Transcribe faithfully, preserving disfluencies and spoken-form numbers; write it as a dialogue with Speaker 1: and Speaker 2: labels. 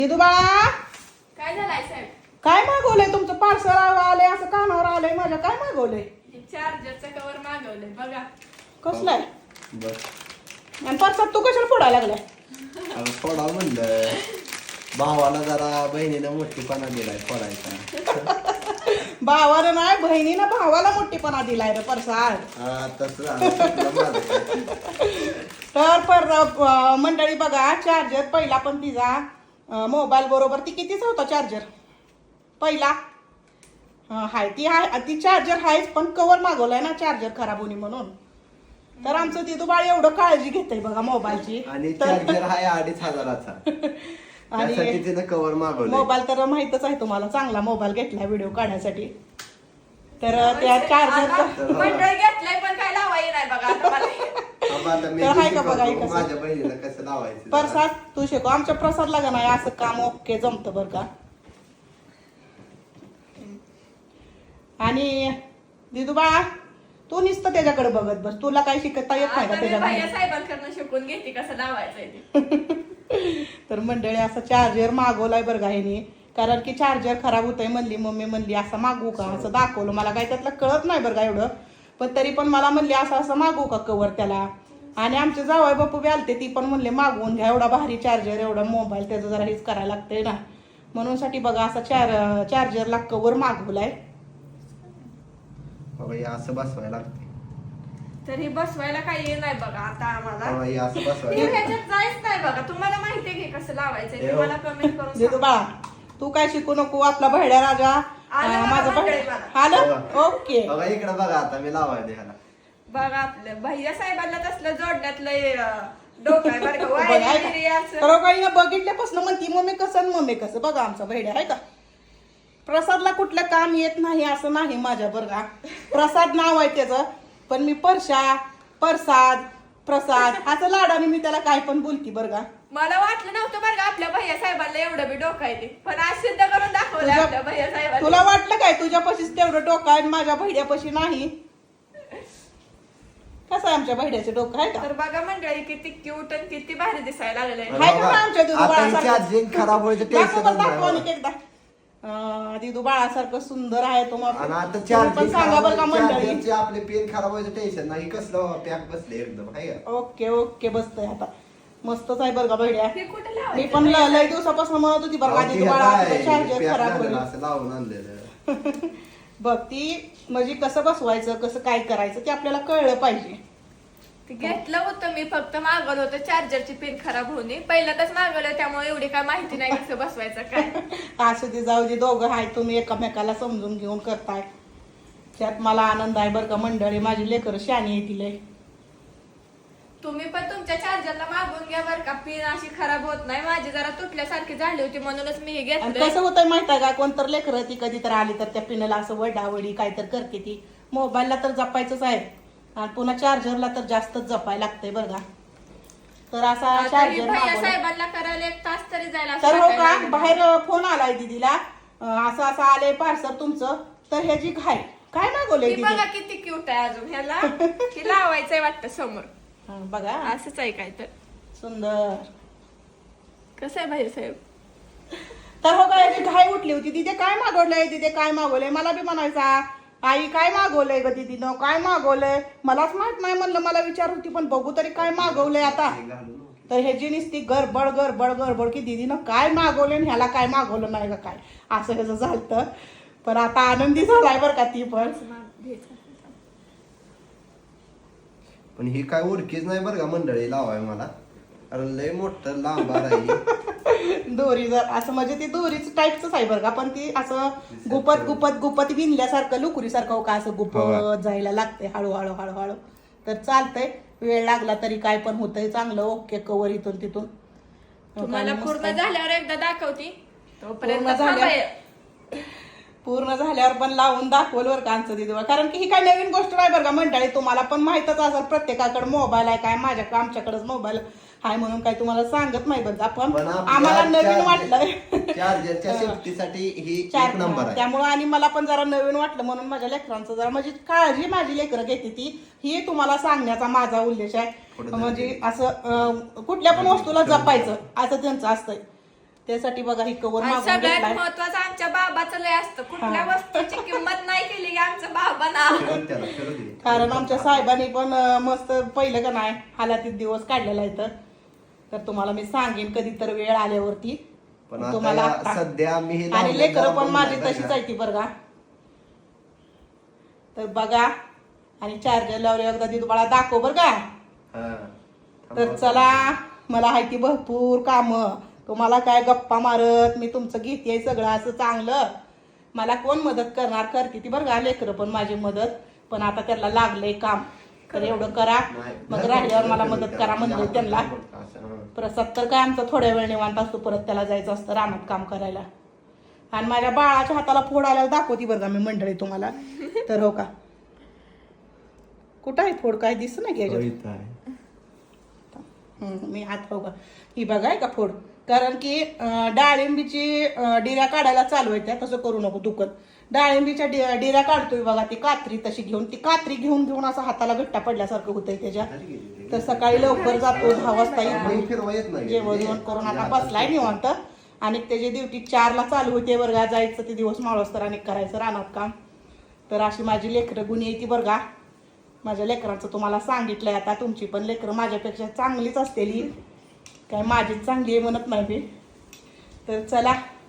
Speaker 1: दिदू बाळा
Speaker 2: काय झालंय साहेब?
Speaker 1: काय मागवलंय तुमचं पार्सल आलंय असं कानावर आलंय माझ्या काय मागवलंय?
Speaker 2: चार्जरचं कवर मागवलंय बघा.
Speaker 1: कसलाय?
Speaker 3: बर
Speaker 1: आणि परसात तू कशाला फोडायला लागलाय?
Speaker 3: अगं फोडा म्हणलं भावाला जरा बहिणीनं मोठीपणा दिलाय फोडायचा.
Speaker 1: भावानं नाही बहिणीनं भावाला मोठीपणा दिलाय रे परसाद.
Speaker 3: हा तसं झालं, चुकलं माझं काय.
Speaker 1: तर पर अं, मंडळी बघा चार्जर पहिला पण तिचा मोबाईल बरोबर ती कितीचा होता चार्जर पहिला? अं, हाय ती हाय ती चार्जर हायच पण कवर मागवलाय ना चार्जर खराब होणी म्हणून. तर आमचं तिथं बाळ एवढं काळजी घेतय बघा मोबाईलची.
Speaker 3: आणि चार्जर आहे अडीच हजाराचा
Speaker 1: आणि
Speaker 3: त्यासाठी तिनं कवर मागवलं.
Speaker 1: मोबाईल तर माहितच आहे तुम्हाला चांगला मोबाईल घेतला व्हिडिओ काढण्यासाठी. तर त्या चार्जरचा
Speaker 2: मंडळ घेतलंय पण काय लावाय नाही बघा आता मला.
Speaker 1: तर हाय का बघा हे कसं?
Speaker 3: माझ्या बहिणीला कसं लावायचं
Speaker 1: प्रसाद तू शिकव आमच्या प्रसादला का नाही असं काम ओके जमतं बरं का. आणि दिदू बाळा तू नुसतं त्याच्याकडे बघत बस, तुला काही शिकता येत नाही का
Speaker 2: आता मी भैया
Speaker 1: त्याच्याकडे?
Speaker 2: साहेबांकडनं शिकून घेते कसं लावायचंय ते.
Speaker 1: तर मंडळी असं चार्जर मागवलाय बरं का ह्यानी. कारण की चार्जर खराब होतंय म्हणली मम्मी म्हणली असं मागवू का असं दाखवलं. मला काही त्यातलं कळत नाही बरं का एवढं, पण तरी पण मला म्हणली असं असं मागवू का कवर त्याला. आणि आमचे जावई बापू बी आलते ती पण म्हणले मागवून घ्या एवढा भारी चार्जर एवढा मोबाईल त्याचं जरा हेच करायला लागतंय ना म्हणून साठी बघा असा चार चार्जरला कवर मागवलाय.
Speaker 3: बाबा हे असं बसवायला लागते.
Speaker 2: तरी बसवायला काही नाही बघा आता आम्हाला.
Speaker 3: बाबा हे असं
Speaker 2: ते
Speaker 3: बसवायला
Speaker 2: ह्याच्यात जायच नाही बघा. तुम्हाला माहितीये की कसं लावायचंय ते
Speaker 3: हो.
Speaker 2: मला कमेंट करून
Speaker 1: दिदू
Speaker 2: सांगा.
Speaker 1: बाळा तू काय शिकू नको आपला भैड्या राजा
Speaker 2: आलं
Speaker 1: अं,
Speaker 2: बघा
Speaker 1: माझा
Speaker 2: मंडळी
Speaker 1: भैड्या
Speaker 2: मला.
Speaker 1: आलं ओके.
Speaker 3: बघा इकडे बघा आता मी लावायला ह्याला.
Speaker 2: बघा आपलं भैया साहेबांना तसलं जोडण्यात लय अं, डोकं आहे बरं का.
Speaker 1: बघा,
Speaker 2: वायरी
Speaker 1: ऐका.
Speaker 2: बिरी असं.
Speaker 1: तर काही बघितल्यापासून म्हणती मम्मी कसं आणि मम्मी कसं. बघा आमचा भैड्या आहे का. प्रसादला कुठलं काम येत नाही असं नाही माझ्या बरं का. प्रसाद नाव आहे त्याचं पण मी परशा प्रसाद प्रसाद असं लाडाने मी त्याला काय पण बोलती बरं का.
Speaker 2: मला वाटलं नव्हतं बरं का आपल्या भैया साहेबांना एवढं बी डोकं आहे ते. पण आज सिद्ध करून दाखवलं
Speaker 1: तुझ्या-
Speaker 2: आपल्या भैया साहेबांना.
Speaker 1: तुला वाटलं काय तुझ्यापाशीच तेवढं डोकं आहे आणि माझ्या भैड्यापाशी नाही? कसं आहे आमच्या भैड्याचं डोकं आहे का.
Speaker 2: तर बघा मंडळी किती क्यूट आणि किती भारी दिसायला लागले.
Speaker 1: हाय का आमच्या दिदू
Speaker 3: आता
Speaker 1: बाळासारखं?
Speaker 3: चार्जिंग खराब व्हायचं
Speaker 1: दाखव
Speaker 3: टेन्शन
Speaker 1: बरं, दाखव
Speaker 3: नाही.
Speaker 1: आणि एकदा अं, दिदू बाळासारखं सुंदर आहे तो मग.
Speaker 3: आणि आता
Speaker 1: तुम्ही पण
Speaker 3: चार्जिंग
Speaker 1: सांगा बरं का मंडळी.
Speaker 3: चार्जरचे आपले पेन खराब व्हायचं टेन्शन नाही. कसलं पॅक बसले एकदम आहे का.
Speaker 1: ओके ओके बसतंय आता मस्तच आहे बरं का भैड्या.
Speaker 2: हे कुठे
Speaker 1: मी
Speaker 2: लावायचं
Speaker 1: पण
Speaker 2: भैया?
Speaker 1: ल- लय दिवसापासून म्हणत होती बरं का
Speaker 3: अहो, ते
Speaker 1: दिदू
Speaker 3: हे
Speaker 1: बाळा
Speaker 3: काय,
Speaker 1: चार्जर
Speaker 3: पॅक
Speaker 1: खराब
Speaker 3: झालेलं
Speaker 1: होईल.
Speaker 3: असं लावून आणलेलं.
Speaker 1: बघ ती म्हणजे कसं बसवायचं कसं काय करायचं ते आपल्याला कळलं पाहिजे.
Speaker 2: ते घेतलं होतं मी फक्त मागवलं होतं चार्जरची पिन खराब होणे. पहिल्यांदाच मागवलं त्यामुळे एवढी काय माहिती नाही कसं बसवायचं काय.
Speaker 1: असं ते जाऊ दे दोघं आहे तुम्ही एकमेकाला समजून घेऊन करताय त्यात मला आनंद आहे बरं का मंडळी. माझी लेकरं शानी आहे तिला.
Speaker 2: तुम्ही पण तुमच्या चार्जरला मागवून घ्या बरं का. पिन अशी खराब होत नाही. माझी जरा तुटल्यासारखी झाली होती म्हणूनच मी हे
Speaker 1: आणि
Speaker 2: घेतलं.
Speaker 1: कसं होतंय माहिती आहे का कोणतर लेकरं ती कधी तर आली तर त्या पिनला असं वडावडी काय तर करते ती. मोबाईलला तर जपायचंच आहे आणि पुन्हा चार्जरला तर जास्तच जपायला लागतंय बरं का. तर असा
Speaker 2: आता ही
Speaker 1: चार्जर
Speaker 2: भैया
Speaker 1: मागवला.
Speaker 2: साहेबांना करायला एक तास तरी जायला
Speaker 1: तर हो का
Speaker 2: वाटायला
Speaker 1: बाहेर फोन आलाय दीदीला अं, असं असं आलंय पार्सल तुमचं. तर ह्याची घाई काय मागवलंय
Speaker 2: ती बघा
Speaker 1: दीदी?
Speaker 2: किती क्यूट आहे अजून ह्याला. की लावायचंय वाटतं समोर.
Speaker 1: हं, बघा
Speaker 2: असंच आहे काय तर.
Speaker 1: सुंदर.
Speaker 2: कसं आहे भैया साहेब?
Speaker 1: तर हो का याची घाई उठली होती तिथे काय मागवलंय तिथे काय मागवलंय मला बी म्हणायचा आई काय मागवलंय ग दीदीनं काय मागवलंय मलाच माहित नाही म्हणलं मला विचार होती पण बघू तरी काय मागवलंय आता. तर ह्याची नुसती गडबड गडबड गडबड की दीदीनं काय मागवलंय आणि ह्याला काय मागवलं नाही का काय असं ह्याचं झालं. पण आता आनंदी झालाय बरं का ती पण.
Speaker 3: पण ही काय ओळखीच नाही बरं का मंडळी लावाय मला. कारण लय मोठं लांब आहे.
Speaker 1: दोरी जर असं म्हणजे ती दोरीच टाईपच आहे बरं का पण ती असं गुपत गुपत गुपत विणल्यासारखं लुकुरीसारखं हो का असं गुपत जायला लागतंय हळूहळू हळूहळू. तर चालतंय वेळ लागला तरी काय पण होतंय चांगलं ओके कवर इथून तिथून.
Speaker 2: तुम्हाला पूर्ण झाल्यावर एकदा दाखवती. तोपर्यंत
Speaker 1: पूर्ण झाल्या-
Speaker 2: थांबाय.
Speaker 1: पूर्ण झाल्यावर पण लावून दाखवल बरं का आमचं दिदी. कारण की ही काय नवीन गोष्ट नाही बरं का मंडळी. तुम्हाला पण माहितच असेल प्रत्येकाकडे मोबाईल आहे काय माझ्या आमच्याकडेच मोबाईल आहे म्हणून काय तुम्हाला सांगत नाही बरं आपण
Speaker 3: पण आपल्या
Speaker 1: आम्हाला नवीन
Speaker 3: चार्जर-
Speaker 1: वाटलं
Speaker 3: चार्जरच्या सेफ्टीसाठी ही एक
Speaker 1: चार
Speaker 3: नंबर आहे.
Speaker 1: त्यामुळे आणि मला पण जरा नवीन वाटलं म्हणून माझ्या लेकरांचं जरा म्हणजे काळजी माझी लेकरं घेते ती ही तुम्हाला सांगण्याचा माझा उद्देश आहे.
Speaker 3: पुढे
Speaker 1: म्हणजे असं अं, कुठल्या पण वस्तूला जपायचं असं त्यांचं असतंय. त्यासाठी बघा ही कवर
Speaker 2: आणि
Speaker 1: मागून
Speaker 2: सगळ्यात
Speaker 1: घेतलाय.
Speaker 2: महत्वाचं आमच्या बाबाचं लय असतं कुठल्या
Speaker 1: हा.
Speaker 2: वस्तूची किंमत नाही केली की आमचं बाबा ना
Speaker 3: फिरव त्याला, फिरव दे.
Speaker 1: कारण आमच्या साहेबांनी पण अं, मस्त पहिलं का नाही हालातीत दिवस काढलेला आहे तर तुम्हाला मी सांगेन कधी तर वेळ आल्यावरती
Speaker 3: पण आता
Speaker 1: तुम्हाला
Speaker 3: या-
Speaker 1: आता-
Speaker 3: सध्या मी हे
Speaker 1: आणि
Speaker 3: लावलेलं
Speaker 1: लेकरं पण
Speaker 3: लावून
Speaker 1: माझी
Speaker 3: नाही
Speaker 1: तशीच
Speaker 3: का?
Speaker 1: आहे ती बरं का. तर बघा आणि चार्जर लावले एकदा ती तुम्हाला दाखव बरं का.
Speaker 3: हा.
Speaker 1: तर चला मला हायती भरपूर काम तुम्हाला काय गप्पा मारत मी तुमचं घेते सगळं असं चांगलं मला कोण मदत करणार करते ती बरं का लेकरं पण माझी मदत पण आता त्याला लागलंय काम तर एवढं करा
Speaker 3: नाही.
Speaker 1: मग राहिल्यावर मला मदत करा म्हणजे त्यांना
Speaker 3: असं, हा.
Speaker 1: प्रसाद तर काय आमचा थोड्या वेळ निवांत असतो परत त्याला जायचं असतं रानात काम करायला आणि माझ्या बाळाच्या हाताला फोड आल्यावर दाखवती बरं का मी मंडळी तुम्हाला तर हो का कुठं आहे फोड काय दिसत नाही की याच्यात?
Speaker 3: इथं आहे.
Speaker 1: हम्म, मी हात हो का ही बघाय का फोड कारण की अं, डाळिंबीची अं, डिऱ्या काढायला चालू आहे त्या तसं करू नको दुखत डाळिंबीच्या डि- डिऱ्या काढतोय बघा ती कात्री तशी घेऊन ती कात्री घेऊन घेऊन असं हाताला गट्टा पडल्यासारखं होतंय त्याच्या तर सकाळी लवकर जातो दहा वाजता
Speaker 3: नाही,
Speaker 1: येतो
Speaker 3: फिरवा येत नाही.
Speaker 1: जेवण जेवण करून आता बसलाय निवांत आणि त्याची ड्युटी चारला चालू होते वर्गा जायचं ते दिवस माळवस तर आणि करायचं रानात काम तर अशी माझी लेकरं गुणी येते बरं का माझ्या लेकरांचं तुम्हाला सांगितलंय आता तुमची पण लेकरं माझ्यापेक्षा चांगलीच असतेली काय माझीच चांगली आहे म्हणत नाही मी तर चला